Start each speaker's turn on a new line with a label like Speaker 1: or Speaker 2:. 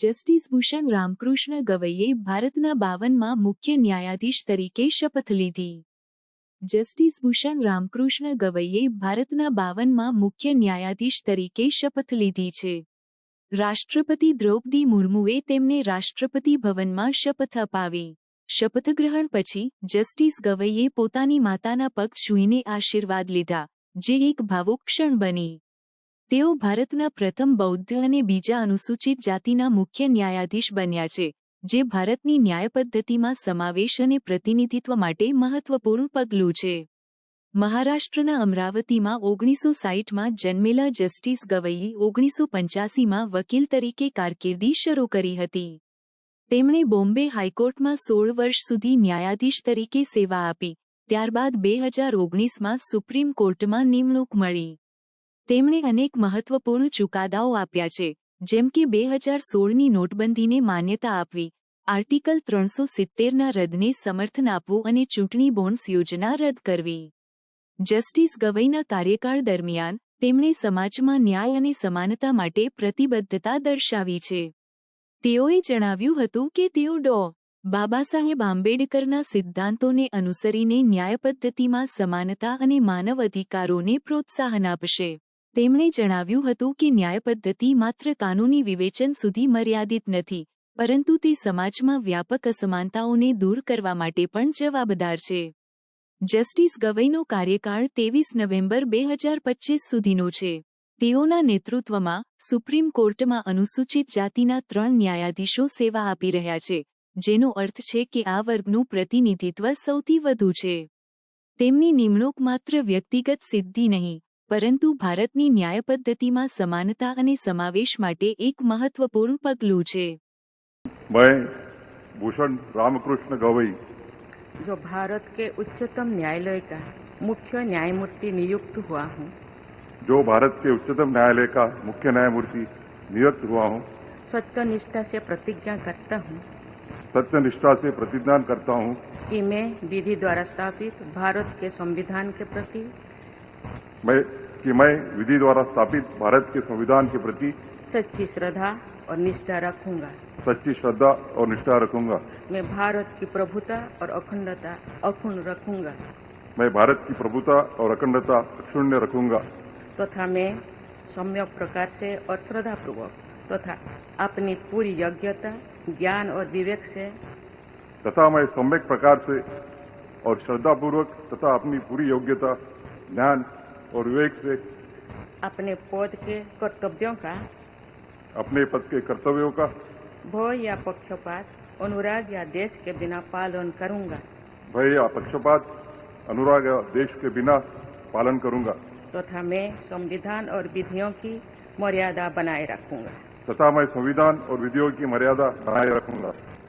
Speaker 1: Justice Bhushan Ramakrishna ગવઈએ ભારતના 52મા મુખ્ય ન્યાયાધીશ તરીકે શપથ લીધી. જસ્ટિસ ભૂષણ રામકૃષ્ણ ગવઈએ ભારતના 52મા મુખ્ય ન્યાયાધીશ તરીકે શપથ લીધી છે. રાષ્ટ્રપતિ દ્રૌપદી મુર્મુએ તેમને રાષ્ટ્રપતિ ભવનમાં શપથ અપાવી. શપથગ્રહણ પછી જસ્ટિસ ગવઈએ પોતાની માતાના પગ છૂઈને આશીર્વાદ લીધા, જે એક ભાવુક ક્ષણ બની. તેઓ ભારતના પ્રથમ બૌદ્ધ અને બીજા અનુસૂચિત જાતિના મુખ્ય ન્યાયાધીશ બન્યા છે, જે ભારતની ન્યાય પદ્ધતિમાં સમાવેશ અને પ્રતિનિધિત્વ માટે મહત્વપૂર્ણ પગલું છે. મહારાષ્ટ્રના અમરાવતીમાં 1960માં જન્મેલા જસ્ટિસ ગવઈએ 1985માં વકીલ તરીકે કારકિર્દી શરૂ કરી હતી. તેમણે બોમ્બે હાઈકોર્ટમાં 16 વર્ષ સુધી ન્યાયાધીશ તરીકે સેવા આપી. ત્યારબાદ 2019માં સુપ્રીમ કોર્ટમાં નિમણૂક મળી. તેમણે અનેક મહત્વપૂર્ણ ચુકાદાઓ આપ્યા છે, જેમ કે 2016ની નોટબંધીને માન્યતા આપવી, આર્ટિકલ 370ના રદને સમર્થન આપવું અને ચૂંટણી બોન્ડ્સ યોજના રદ કરવી. જસ્ટિસ ગવઈના કાર્યકાળ દરમિયાન તેમણે સમાજમાં ન્યાય અને સમાનતા માટે પ્રતિબદ્ધતા દર્શાવી છે. તેઓએ જણાવ્યું હતું કે તેઓ ડૉ. બાબાસાહેબ આંબેડકરના સિદ્ધાંતોને અનુસરીને ન્યાય પદ્ધતિમાં સમાનતા અને માનવ અધિકારોને પ્રોત્સાહન આપશે. તેમણે જણાવ્યું હતું કે ન્યાય પદ્ધતિ માત્ર કાનૂની વિવેચન સુધી મર્યાદિત નથી, પરંતુ તે સમાજમાં વ્યાપક અસમાનતાઓને દૂર કરવા માટે પણ જવાબદાર છે. જસ્ટિસ ગવઈનો કાર્યકાળ 23 નવેમ્બર 2025 સુધીનો છે. તેઓના નેતૃત્વમાં સુપ્રીમ કોર્ટમાં અનુસૂચિત જાતિના 3 ન્યાયાધીશો સેવા આપી રહ્યા છે, જેનો અર્થ છે કે આ વર્ગનું પ્રતિનિધિત્વ સૌથી વધુ છે. તેમની નિમણૂક માત્ર વ્યક્તિગત સિદ્ધિ નહીં, પરંતુ ભારતની ન્યાય પદ્ધતિમાં સમાનતા અને સમાવેશ માટે એક મહત્વપૂર્ણ પગલું છે.
Speaker 2: मैं भूषण रामकृष्ण गवई
Speaker 3: जो भारत के उच्चतम न्यायालय का मुख्य न्यायमूर्ति नियुक्त हुआ हूँ,
Speaker 2: जो भारत के उच्चतम न्यायालय का मुख्य न्यायमूर्ति नियुक्त हुआ हूँ,
Speaker 3: सत्यनिष्ठा से प्रतिज्ञा करता हूँ
Speaker 2: सत्यनिष्ठा से प्रतिज्ञा करता हूँ
Speaker 3: कि मैं विधि द्वारा स्थापित भारत के संविधान के प्रति
Speaker 2: मैं विधि द्वारा स्थापित भारत के संविधान के प्रति
Speaker 3: सच्ची श्रद्धा और निष्ठा रखूंगा.
Speaker 2: सच्ची श्रद्धा और निष्ठा रखूंगा.
Speaker 3: मैं भारत की प्रभुता और अखंडता अक्षुण्ण रखूंगा.
Speaker 2: मैं भारत की प्रभुता और अखंडता अक्षुण्ण रखूंगा.
Speaker 3: तथा मैं सम्यक प्रकार से और श्रद्धापूर्वक तथा अपनी पूरी योग्यता, ज्ञान और विवेक से
Speaker 2: तथा मैं सम्यक प्रकार से और श्रद्धापूर्वक तथा अपनी पूरी योग्यता, ज्ञान और विवेक से
Speaker 3: अपने पद के कर्तव्यों का,
Speaker 2: अपने पद के कर्तव्यों का
Speaker 3: भय या पक्षपात, अनुराग या देश के बिना पालन करूंगा.
Speaker 2: भय या पक्षपात, अनुराग या देश के बिना पालन करूंगा.
Speaker 3: तथा मैं संविधान और विधियों की मर्यादा बनाए रखूंगा.
Speaker 2: तथा मैं संविधान और विधियों की मर्यादा बनाए रखूंगा.